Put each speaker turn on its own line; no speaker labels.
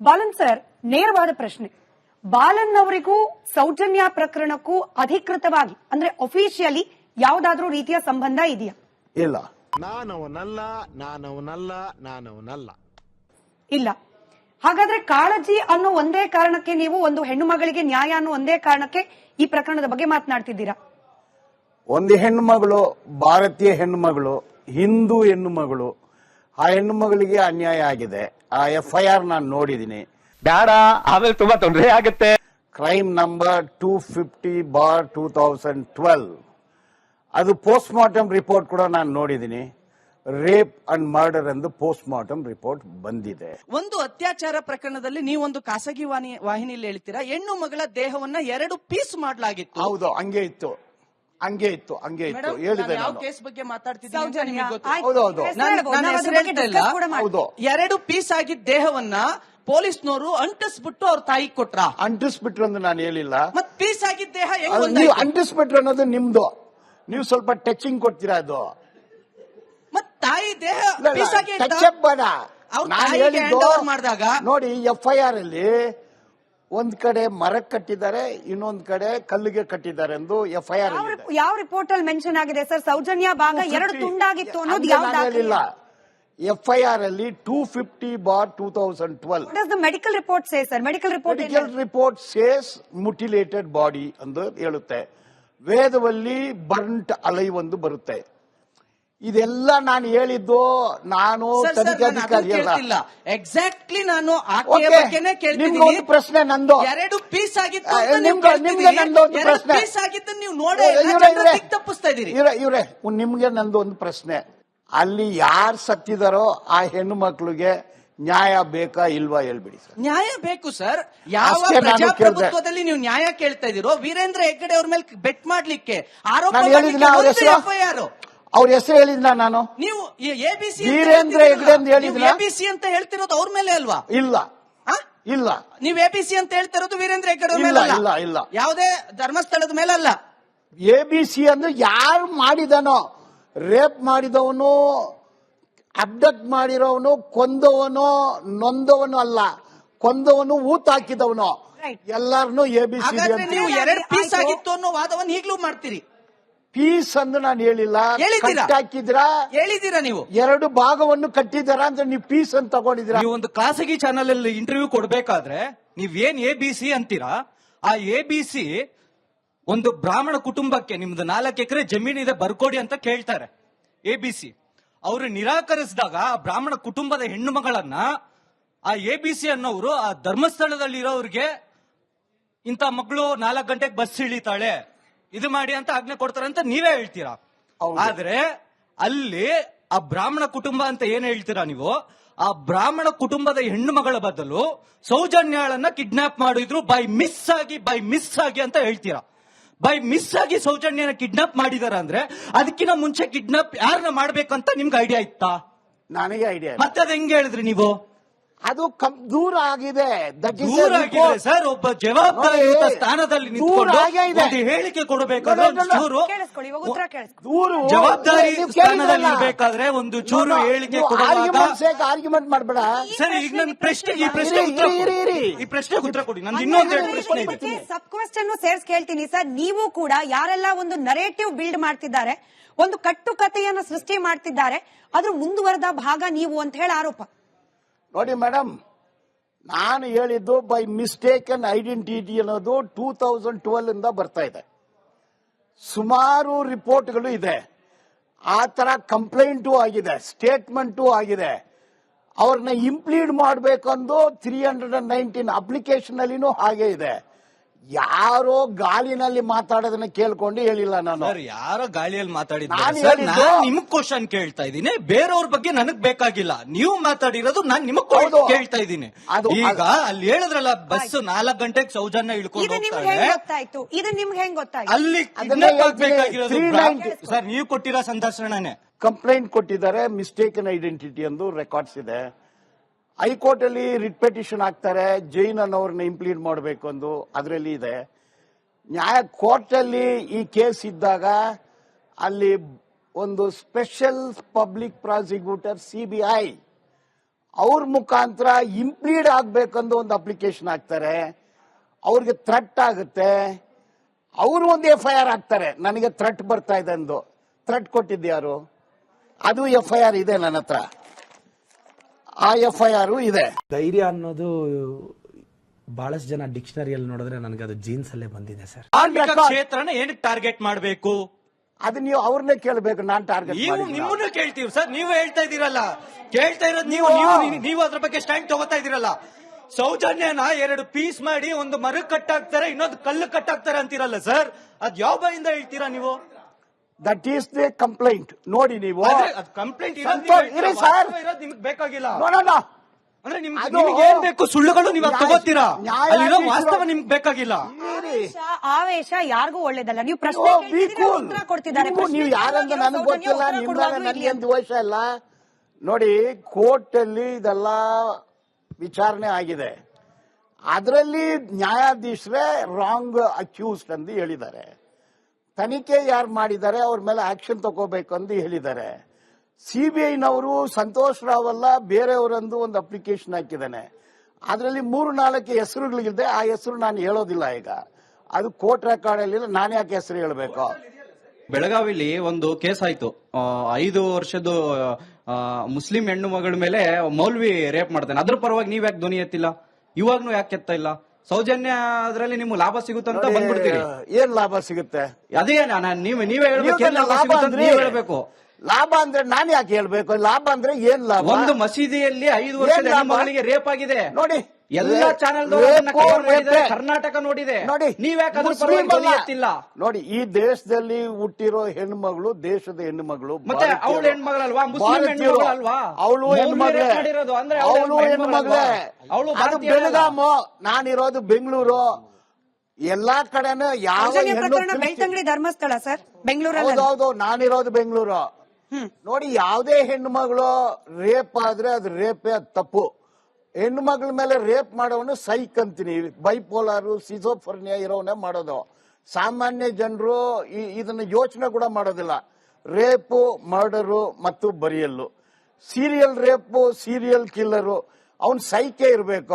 Balan sir, ನೇರವಾದ ಪ್ರಶ್ನೆ. ಬಾಲನ್ ಅವರಿಗೂ ಸೌಜನ್ಯ ಪ್ರಕರಣಕ್ಕೂ ಅಧಿಕೃತವಾಗಿ ಅಂದ್ರೆ ಅಫಿಷಿಯಲಿ ಯಾವ್ದಾದ್ರೂ ರೀತಿಯ ಸಂಬಂಧ ಇದೆಯಾ?
ಇಲ್ಲ.
ನಾನವನಲ್ಲ.
ಇಲ್ಲ. ಹಾಗಾದ್ರೆ ಕಾಳಜಿ ಅನ್ನೋ ಒಂದೇ ಕಾರಣಕ್ಕೆ ನೀವು ಒಂದು ಹೆಣ್ಣು ಮಗಳಿಗೆ ನ್ಯಾಯ ಅನ್ನೋ ಒಂದೇ ಕಾರಣಕ್ಕೆ ಈ ಪ್ರಕರಣದ ಬಗ್ಗೆ ಮಾತನಾಡ್ತಿದ್ದೀರಾ?
ಒಂದು ಹೆಣ್ಣು ಮಗಳು, ಭಾರತೀಯ ಹೆಣ್ಣು ಮಗಳು, ಹಿಂದೂ ಹೆಣ್ಣು ಮಗಳು, ಆ ಹೆಣ್ಣು ಮಗಳಿಗೆ ಅನ್ಯಾಯ ಆಗಿದೆ. ಆ FIR ನಾನು ನೋಡಿದ್ದೀನಿ.
ಬೇಡ, ಆಮೇಲೆ ತುಂಬಾ ತೊಂದರೆ ಆಗುತ್ತೆ.
Crime number 250/2012. ಅದು ಪೋಸ್ಟ್ ಮಾರ್ಟಮ್ ರಿಪೋರ್ಟ್ ಕೂಡ ನಾನು ನೋಡಿದ್ದೀನಿ. ರೇಪ್ ಅಂಡ್ ಮರ್ಡರ್ ಎಂದು ಪೋಸ್ಟ್ ಮಾರ್ಟಮ್ ರಿಪೋರ್ಟ್ ಬಂದಿದೆ.
ಒಂದು ಅತ್ಯಾಚಾರ ಪ್ರಕರಣದಲ್ಲಿ ನೀವೊಂದು ಖಾಸಗಿ ವಾಹಿನಿಯಲ್ಲಿ ಹೇಳ್ತೀರಾ ಹೆಣ್ಣು ಮಗಳ ದೇಹವನ್ನ 2 ಪೀಸ್ ಮಾಡಲಾಗಿತ್ತು.
ಹೌದು, ಹಂಗೆ ಇತ್ತು. ಹೇಳಿದೆ
ಯಾವ
ನಾನು.
ಕೇಸ್ ಬಗ್ಗೆ ಮಾತಾಡ್ತಿದ್ದೀನಿ
ಸೌಜನ್ಯ,
ಹೌದು, ಹೌದು.
ನಾನು ಹೆಸರು ಹೇಳ್ತಾ ಇಲ್ಲ.
ಹೌದು,
2 ಪೀಸ್ ಆಗಿದ್ದ ದೇಹವನ್ನ ಪೊಲೀಸ್ನವರು ಅಂಟಿಸ್ಬಿಟ್ಟು ಅವ್ರ ತಾಯಿಗೆ ಕೊಟ್ರ.
ಅಂಟಿಸ್ಬಿಟ್ರು ಅಂತ ನಾನು ಹೇಳಿಲ್ಲ.
ಮತ್ ಪೀಸ್ ಆಗಿದ್ದ ದೇಹ ಹೆಂಗ್
ಅದು
ಒಂದಾಯ್ತು?
ನೀವು ಅಂಟಿಸ್ಬಿಟ್ರು ಅನ್ನೋದು ನಿಮ್ದು. ನೀವು ಸ್ವಲ್ಪ ಟಚಿಂಗ್ ಕೊಡ್ತೀರಾ. ಅದು
ಮತ್ ತಾಯಿ ದೇಹ ಪೀಸ್ ಆಗಿ
ಟಚ್ ಅಪ್ ಬೇಡ.
ಅವ್ರ
ನಾನು
ತಾಯಿಗೆ
ಹೇಳಿದ್ದು
hand over ಮಾಡಿದಾಗ
ನೋಡಿ, FIR ಅಲ್ಲಿ ಒಂದ್ ಕಡೆ ಮರಕ್ಕೆ ಕಟ್ಟಿದ್ದಾರೆ, ಇನ್ನೊಂದ್ ಕಡೆ ಕಲ್ಲಿಗೆ ಕಟ್ಟಿದ್ದಾರೆ ಎಂದು FIR
ಯಾವ ರಿಪೋರ್ಟ್ ಅಲ್ಲಿ ಮೆನ್ಷನ್ ಆಗಿದೆ ಸರ್? ಸೌಜನ್ಯ ಭಾಗ 2 ತುಂಡಾಗಿತ್ತು ಅನ್ನೋದು ಯಾವ
ಹೇಳಿಲ್ಲ. FIR ಅಲ್ಲಿ 250/2012.
What does the medical report say, sir? Medical report
says mutilated body ಎಂದು ಹೇಳುತ್ತೆ. ವೇದದಲ್ಲಿ ಬರ್ಂಟ್ ಅಲೈ ಒಂದು ಬರುತ್ತೆ. ಇದೆಲ್ಲ ನಾನು ಹೇಳಿದ್ದು. ನಾನು ತನಿಖಾಧಿಕಾರಿ ಅಲ್ಲ.
ಎಕ್ಸಾಕ್ಟ್ಲಿ ನಾನು ಆಕೆಯ ಬಗ್ಗೆನೇ ಕೇಳ್ತಿದ್ದೀನಿ.
ನಿಮ್ಗೊಂದು ಪ್ರಶ್ನೆ ನಂದು.
2 ಪೀಸ್ ಆಗಿತ್ತು
ನಿಮ್ಗೆ ನಂದು ಒಂದು ಪ್ರಶ್ನೆ.
ಪೀಸ್ ಆಗಿದ್ದು ನೀವು ನೋಡಿ ತಪ್ಪಿಸ್ತಾ ಇದೀರಿ.
ಇವ್ರೆ ನಿಮ್ಗೆ ನಂದು ಒಂದು ಪ್ರಶ್ನೆ. ಅಲ್ಲಿ ಯಾರು ಸತ್ತಿದಾರೋ ಆ ಹೆಣ್ಣು ಮಕ್ಕಳಿಗೆ ನ್ಯಾಯ ಬೇಕಾ ಇಲ್ವಾ ಹೇಳ್ಬಿಡಿ ಸರ್.
ನ್ಯಾಯ ಬೇಕು ಸರ್. ಯಾವ
ಅಷ್ಟೇ ನಾನು
ಪ್ರಜಾಪ್ರಭುತ್ವದಲ್ಲಿ ನೀವು ನ್ಯಾಯ ಕೇಳ್ತಾ ಇದೀರೋ? ವೀರೇಂದ್ರ ಹೆಗ್ಗಡೆ ಅವ್ರ ಮೇಲೆ ಬೆಟ್ ಮಾಡ್ಲಿಕ್ಕೆ ಆರೋಪ
ನಾನು ಹೇಳಿದ್ನ ಅವ್ರ ಹೆಸರು?
FIR
ಅವ್ರ ಹೆಸರು ಹೇಳಿದ್ನ ನಾನು?
ನೀವು ABC
ವೀರೇಂದ್ರ ಹೆಗ್ಗಡೆ ಅಂತ ಹೇಳಿದ್ನ?
ABC ಅಂತ ಹೇಳ್ತಿರೋದು ಅವ್ರ ಮೇಲೆ ಅಲ್ವಾ?
ಇಲ್ಲ, ಇಲ್ಲ.
ನೀವು ABC ಅಂತ ಹೇಳ್ತಿರೋದು ವೀರೇಂದ್ರ ಹೆಗ್ಗಡೆ ಅವ್ರ
ಇಲ್ಲ,
ಮೇಲೆ
ಇಲ್ಲ, ಇಲ್ಲ.
ಯಾವುದೇ ಧರ್ಮಸ್ಥಳದ ಮೇಲೆ ಅಲ್ಲ.
ABC ಅಂದ್ರೆ ಯಾರು ಮಾಡಿದನೋ, ರೇಪ್ ಮಾಡಿದವನು, ಅಬ್ಡಕ್ಟ್ ಮಾಡಿರೋವನು, ಕೊಂದವನು, ನೊಂದವನು ಅಲ್ಲ, ಕೊಂದವನು, ಊತ ಹಾಕಿದವನು, ಎಲ್ಲಾರನು ABC.
ಹಾಗಾದ್ರೆ ನೀವು 2 ಪೀಸ್ ಆಗಿತ್ತು ಅನ್ನೋ ವಾದವನ್ನು ಈಗಲೂ ಮಾಡ್ತೀರಿ.
ಪೀಸ್ ಅಂದ್ರೆ ನಾನು ಹೇಳಿಲ್ಲ. ಹಾಕಿದ್ರಾ?
ಹೇಳಿದೀರಾ ನೀವು
2 ಭಾಗವನ್ನು ಕಟ್ಟಿದಾರ ಅಂತ ನೀವು ಪೀಸ್ ಅಂತ ತಗೊಂಡಿದ್ದೀರಾ?
ನೀವು ಒಂದು ಖಾಸಗಿ ಚಾನಲ್ ಅಲ್ಲಿ ಇಂಟರ್ವ್ಯೂ ಕೊಡ್ಬೇಕಾದ್ರೆ ನೀವೇನ್ ABC ಅಂತೀರಾ? ಆ ABC ಒಂದು ಬ್ರಾಹ್ಮಣ ಕುಟುಂಬಕ್ಕೆ ನಿಮ್ದು 4 ಎಕರೆ ಜಮೀನಿದೆ ಬರ್ಕೊಡಿ ಅಂತ ಕೇಳ್ತಾರೆ ABC. ಅವರು ನಿರಾಕರಿಸಿದಾಗ ಆ ಬ್ರಾಹ್ಮಣ ಕುಟುಂಬದ ಹೆಣ್ಣು ಮಗಳನ್ನ ಆ ABC ಅನ್ನೋರು ಆ ಧರ್ಮಸ್ಥಳದಲ್ಲಿ ಇರೋರಿಗೆ ಇಂಥ ಮಗಳು 4 ಗಂಟೆಗೆ ಬಸ್ ಇಳಿತಾಳೆ, ಇದು ಮಾಡಿ ಅಂತ ಆಜ್ಞೆ ಕೊಡ್ತಾರೆ ಅಂತ ನೀವೇ ಹೇಳ್ತೀರಾ. ಆದ್ರೆ ಅಲ್ಲಿ ಆ ಬ್ರಾಹ್ಮಣ ಕುಟುಂಬ ಅಂತ ಏನ್ ಹೇಳ್ತೀರಾ ನೀವು? ಆ ಬ್ರಾಹ್ಮಣ ಕುಟುಂಬದ ಹೆಣ್ಣು ಮಗಳ ಬದಲು ಸೌಜನ್ಯಾಳನ್ನ ಕಿಡ್ನಾಪ್ ಮಾಡಿದ್ರು ಬೈ ಮಿಸ್ ಆಗಿ ಅಂತ ಹೇಳ್ತೀರಾ. ಬೈ ಮಿಸ್ ಆಗಿ ಸೌಜನ್ಯನ ಕಿಡ್ನಾಪ್ ಮಾಡಿದಾರ ಅಂದ್ರೆ ಅದಕ್ಕಿಂತ ಮುಂಚೆ ಕಿಡ್ನಾಪ್ ಯಾರನ್ನ ಮಾಡ್ಬೇಕಂತ ನಿಮ್ಗೆ ಐಡಿಯಾ ಇತ್ತಾ?
ನನಗೆ ಐಡಿಯಾ.
ಮತ್ತೆ ಅದ್ ಹೆಂಗ್ ಹೇಳಿದ್ರಿ ನೀವು?
ಅದು ದೂರ ಆಗಿದೆ.
ದೂರ ಆಗಿದೆ ಸರ್. ಒಬ್ಬ ಜವಾಬ್ದಾರಿಯುತ ಸ್ಥಾನದಲ್ಲಿ ನಿಂತ್ಕೊಂಡು ಒಂದು ಹೇಳಿಕೆ ಕೊಡಬೇಕಾದ್ರೆ ಚೂರು ಜವಾಬ್ದಾರಿ ಸ್ಥಾನದಲ್ಲಿ ಇರಬೇಕಾದ್ರೆ ಒಂದು ಚೂರು ಹೇಳಿಕೆ ಕೊಡುವಾಗ
ಆರ್ಗ್ಯುಮೆಂಟ್ ಮಾಡಬೇಡ
ಸರ್. ಈಗ ನನ್ನ ಪ್ರಶ್ನೆಗೆ ಈ ಪ್ರಶ್ನೆಗೆ ಉತ್ತರ ಕೊಡಿ. ನಂದು ಇನ್ನೊಂದು ಪ್ರಶ್ನೆ ಇದೆ.
ಸಬ್ ಕ್ವೆಶ್ಚನ್ ಸೇರ್ಸ್ ಕೇಳ್ತೀನಿ ಸರ್. ನೀವು ಕೂಡ ಯಾರೆಲ್ಲ ಒಂದು ನರೇಟಿವ್ ಬಿಲ್ಡ್ ಮಾಡ್ತಿದ್ದಾರೆ, ಒಂದು ಕಟ್ಟುಕತೆಯನ್ನು ಸೃಷ್ಟಿ ಮಾಡ್ತಿದ್ದಾರೆ, ಅದ್ರ ಮುಂದುವರೆದ ಭಾಗ ನೀವು ಅಂತ ಹೇಳಿ ಆರೋಪ.
ನೋಡಿ ಮೇಡಮ್, ನಾನು ಹೇಳಿದ್ದು ಬೈ ಮಿಸ್ಟೇಕನ್ ಐಡೆಂಟಿಟಿ ಅನ್ನೋದು 2012 ಇಂದ ಬರ್ತಾ ಇದೆ. ಸುಮಾರು ರಿಪೋರ್ಟ್ಗಳು ಇದೆ. ಆ ತರ ಕಂಪ್ಲೇಂಟು ಆಗಿದೆ, ಸ್ಟೇಟ್ಮೆಂಟು ಆಗಿದೆ. ಅವ್ರನ್ನ ಇಂಪ್ಲೀಡ್ ಮಾಡಬೇಕಂದು 319 ಅಪ್ಲಿಕೇಶನ್ ಅಲ್ಲಿನೂ ಹಾಗೆ ಇದೆ. ಯಾರೋ ಗಾಳಿನಲ್ಲಿ ಮಾತಾಡೋದನ್ನ ಕೇಳ್ಕೊಂಡು ಹೇಳಿಲ್ಲ ನಾನು.
ಸರ್, ಯಾರೋ ಗಾಳಿಯಲ್ಲಿ ಮಾತಾಡಿದ್ರೆ ನಿಮಗ್ ಕ್ವಶನ್ ಕೇಳ್ತಾ ಇದ್ದೀನಿ, ಬೇರೆಯವ್ರ ಬಗ್ಗೆ ನನಗ್ ಬೇಕಾಗಿಲ್ಲ. ನೀವು ಮಾತಾಡಿರೋದು ನಾನು ನಿಮಗ್ ಕೇಳ್ತಾ ಇದ್ದೀನಿ. ಈಗ ಅಲ್ಲಿ ಹೇಳಿದ್ರಲ್ಲ, ಬಸ್ 4 ಗಂಟೆಗೆ ಸೌಜನ್ಯ ಇಳ್ಕೊಂಡು
ಇದು ನಿಮ್ಗೆ ಹೆಂಗ್ ಗೊತ್ತಾಯ್ತು?
ಅಲ್ಲಿ ಆಗ್ಬೇಕಾಗಿರೋದು ಸರ್ ನೀವು ಕೊಟ್ಟಿರೋ ಸಂದರ್ಶನನೇ.
ಕಂಪ್ಲೇಂಟ್ ಕೊಟ್ಟಿದ್ದಾರೆ, ಮಿಸ್ಟೇಕನ್ ಐಡೆಂಟಿಟಿ ಎಂದು ರೆಕಾರ್ಡ್ಸ್ ಇದೆ. ಹೈಕೋರ್ಟ್ ಅಲ್ಲಿ ರಿಟ್ ಪಿಟಿಷನ್ ಹಾಕ್ತಾರೆ, ಜೈನ್ ಅನ್ನೋರ್ನ ಇಂಪ್ಲೀಡ್ ಮಾಡಬೇಕು ಎಂದು ಅದರಲ್ಲಿ ಇದೆ. ಕೋರ್ಟ್ ಅಲ್ಲಿ ಈ ಕೇಸ್ ಇದ್ದಾಗ ಅಲ್ಲಿ ಒಂದು ಸ್ಪೆಷಲ್ ಪಬ್ಲಿಕ್ ಪ್ರಾಸಿಕ್ಯೂಟರ್ CBI ಅವ್ರ ಮುಖಾಂತರ ಇಂಪ್ಲೀಡ್ ಆಗ್ಬೇಕಂದು ಒಂದು ಅಪ್ಲಿಕೇಶನ್ ಹಾಕ್ತಾರೆ, ಅವ್ರಿಗೆ ಥ್ರೆಟ್ ಆಗುತ್ತೆ, ಅವರು ಒಂದು FIR ಹಾಕ್ತಾರೆ, ನನಗೆ ಥ್ರೆಟ್ ಬರ್ತಾ ಇದೆ ಅಂದು. ಥ್ರೆಟ್ ಕೊಟ್ಟಿದ್ಯಾರು? ಅದು FIR ಇದೆ ನನ್ನ ಹತ್ರ, ಆ FIR ಇದೆ.
ಧೈರ್ಯ ಅನ್ನೋದು ಬಹಳಷ್ಟು ಜನ ಡಿಕ್ಷನರಿಯಲ್ಲಿ ನೋಡಿದ್ರೆ ನನಗೆ ಅದು ಜೀನ್ಸ್ ಅಲ್ಲೇ ಬಂದಿದೆ ಸರ್.
ಕಾರ್ಮಿಕ ಕ್ಷೇತ್ರನ ಏನಕ್ಕೆ ಟಾರ್ಗೆಟ್ ಮಾಡಬೇಕು?
ಅದು ನೀವು ಅವ್ರನ್ನೇ ಕೇಳಬೇಕು, ನಾನ್ ಟಾರ್ಗೆಟ್
ನಿಮ್ಮನ್ನು ಕೇಳ್ತೀವಿ ಸರ್. ನೀವು ಹೇಳ್ತಾ ಇದೀರಲ್ಲ, ಕೇಳ್ತಾ ಇರೋದು ನೀವು ನೀವು ಅದ್ರ ಬಗ್ಗೆ ಸ್ಟ್ಯಾಂಡ್ ತಗೋತಾ ಇದೀರಲ್ಲ. ಸೌಜನ್ಯನ 2 ಪೀಸ್ ಮಾಡಿ ಒಂದು ಮರ ಕಟ್ಟಾಕ್ತಾರೆ, ಇನ್ನೊಂದು ಕಲ್ಲು ಕಟ್ಟಾಕ್ತಾರೆ ಅಂತೀರಲ್ಲ ಸರ್. ಅದ್ ಯಾವ ಬಾಯಿಂದ ಹೇಳ್ತೀರಾ ನೀವು?
That is the complaint. ನೋಡಿ ನೀವು
ಕಂಪ್ಲೇಂಟ್
ಇರಿ ಸರ್,
ನಿಮ್ಗೆ ಬೇಕಾಗಿಲ್ಲ
ನೋಡೋಣ.
ಅಂದ್ರೆ
ಅದು
ನಿಮ್ಗೆ ಏನ್ ಬೇಕು ಸುಳ್ಳುಗಳು ನೀವು ತಗೋತೀರಾ, ಅಲ್ಲಿರೋ ವಾಸ್ತವ ನಿಮ್ಗೆ ಬೇಕಾಗಿಲ್ಲ.
ಆವೇಶ ಯಾರಿಗೂ ಒಳ್ಳೇದಲ್ಲ. ನೀವು ಪ್ರಶ್ನೆ ಕೇಳ್ತಿದ್ದೀರಾ, ಉತ್ತರ ಕೊಡ್ತಿದ್ದಾರೆ.
ನೀವು ಯಾರಂತ ನನಗೆ ಗೊತ್ತಿಲ್ಲ, ನಿಮ್ದಾಗ ನನಗೆ ದ್ವೇಷ ಇಲ್ಲ. ನೋಡಿ, ಕೋರ್ಟ್ ಅಲ್ಲಿ ಇದೆಲ್ಲ ವಿಚಾರಣೆ ಆಗಿದೆ, ಅದರಲ್ಲಿ ನ್ಯಾಯಾಧೀಶರೇ ರಾಂಗ್ ಅಕ್ಯೂಸ್ಡ್ ಎಂದು ಹೇಳಿದ್ದಾರೆ. ತನಿಖೆ ಯಾರು ಮಾಡಿದ್ದಾರೆ ಅವ್ರ ಮೇಲೆ ಆಕ್ಷನ್ ತಗೋಬೇಕು ಎಂದು ಹೇಳಿದ್ದಾರೆ. CBIನವರು ಸಂತೋಷ್ ರಾವ್ ಅಲ್ಲ ಬೇರೆಯವರಂದು ಒಂದು ಅಪ್ಲಿಕೇಶನ್ ಹಾಕಿದ್ದಾನೆ, ಅದರಲ್ಲಿ 3-4 ಹೆಸರುಗಳಿದೆ. ಆ ಹೆಸರು ನಾನು ಹೇಳೋದಿಲ್ಲ ಈಗ, ಅದು ಕೋರ್ಟ್ ರೆಕಾರ್ಡ್ ಅಲ್ಲಿ. ನಾನು ಯಾಕೆ ಹೆಸರು ಹೇಳಬೇಕು?
ಬೆಳಗಾವಿಲಿ ಒಂದು ಕೇಸ್ ಆಯ್ತು, 5 ವರ್ಷದ ಮುಸ್ಲಿಂ ಹೆಣ್ಣು ಮಗಳ ಮೇಲೆ ಮೌಲ್ವಿ ರೇಪ್ ಮಾಡ್ತಾನೆ. ಅದ್ರ ಪರವಾಗಿ ನೀವ್ ಯಾಕೆ ಧ್ವನಿ ಎತ್ತಿಲ್ಲ? ಇವಾಗ್ನು ಯಾಕೆ ಎತ್ತ ಇಲ್ಲ? ಸೌಜನ್ಯ ಅದ್ರಲ್ಲಿ ನಿಮ್ಗೆ ಲಾಭ ಸಿಗುತ್ತಂತ ಬಂದ್ಬಿಡ್ತೀರಿ.
ಏನ್ ಲಾಭ ಸಿಗುತ್ತೆ?
ಅದೇ ನೀವೇ ಹೇಳ್ಬೇಕು, ಏನ್ ಲಾಭ ಸಿಗುತ್ತೆ ಅಂತ ನೀವ್ ಹೇಳ್ಬೇಕು.
ಲಾಭ ಅಂದ್ರೆ ನಾನು ಯಾಕೆ ಹೇಳ್ಬೇಕು? ಲಾಭ ಅಂದ್ರೆ ಏನ್ ಲಾಭ?
ಒಂದು ಮಸೀದಿಯಲ್ಲಿ 5 ವರ್ಷದ ಹೆಣ್ಣು ಮಗಳಿಗೆ ರೇಪ್ ಆಗಿದೆ.
ನೋಡಿ,
ಎಲ್ಲ ಚಾನೆಲ್ ಕರ್ನಾಟಕ ನೋಡಿದೆ.
ನೋಡಿ,
ನೀವ್ಯಾಕೆ ಅದ್ರ ಪರವಾಗಿ ಧ್ವನಿ ಎತ್ತಿಲ್ಲ?
ನೋಡಿ, ಈ ದೇಶದಲ್ಲಿ ಹುಟ್ಟಿರೋ ಹೆಣ್ಮಗಳು ದೇಶದ ಹೆಣ್ಮಗಳು,
ಮತ್ತೆ ಅವಳು ಹೆಣ್ಮಗಳಲ್ವಾ? ಮುಸ್ಲಿಂ ಹೆಣ್ಮಗಳಲ್ವಾ?
ಅವಳು ಹೆಣ್ಮಗಳೇ,
ಅಂದ್ರೆ
ಅವಳು ಹೆಣ್ಮಗಳೇ. ಅದು ಬೆಳಗಾಮು, ನಾನಿರೋದು ಬೆಂಗಳೂರು. ಎಲ್ಲಾ ಕಡೆನೂ ಯಾವ
ಪ್ರಕರಣ ಬೆಳ್ತಂಗಡಿ ಧರ್ಮಸ್ಥಳ ಸರ್, ಬೆಂಗಳೂರಲ್ಲಿ.
ಹೌದೌದು, ನಾನಿರೋದು ಬೆಂಗಳೂರು. ನೋಡಿ, ಯಾವುದೇ ಹೆಣ್ಣು ಮಗಳು ರೇಪ್ ಆದ್ರೆ ಅದು ರೇಪೇ, ಅದು ತಪ್ಪು. ಹೆಣ್ಣು ಮಗಳ ಮೇಲೆ ರೇಪ್ ಮಾಡೋನು ಸೈಕ್ ಅಂತೀನಿ. ಬೈಪೋಲಾರು, ಸಿಜೋಫರ್ನಿಯಾ ಇರೋವನ್ನೇ ಮಾಡೋದು. ಸಾಮಾನ್ಯ ಜನರು ಇದನ್ನ ಯೋಚನೆ ಕೂಡ ಮಾಡೋದಿಲ್ಲ. ರೇಪು, ಮರ್ಡರು ಮತ್ತು burial, serial rape, serial killer, ಅವನ್ ಸೈಕೇ ಇರಬೇಕು.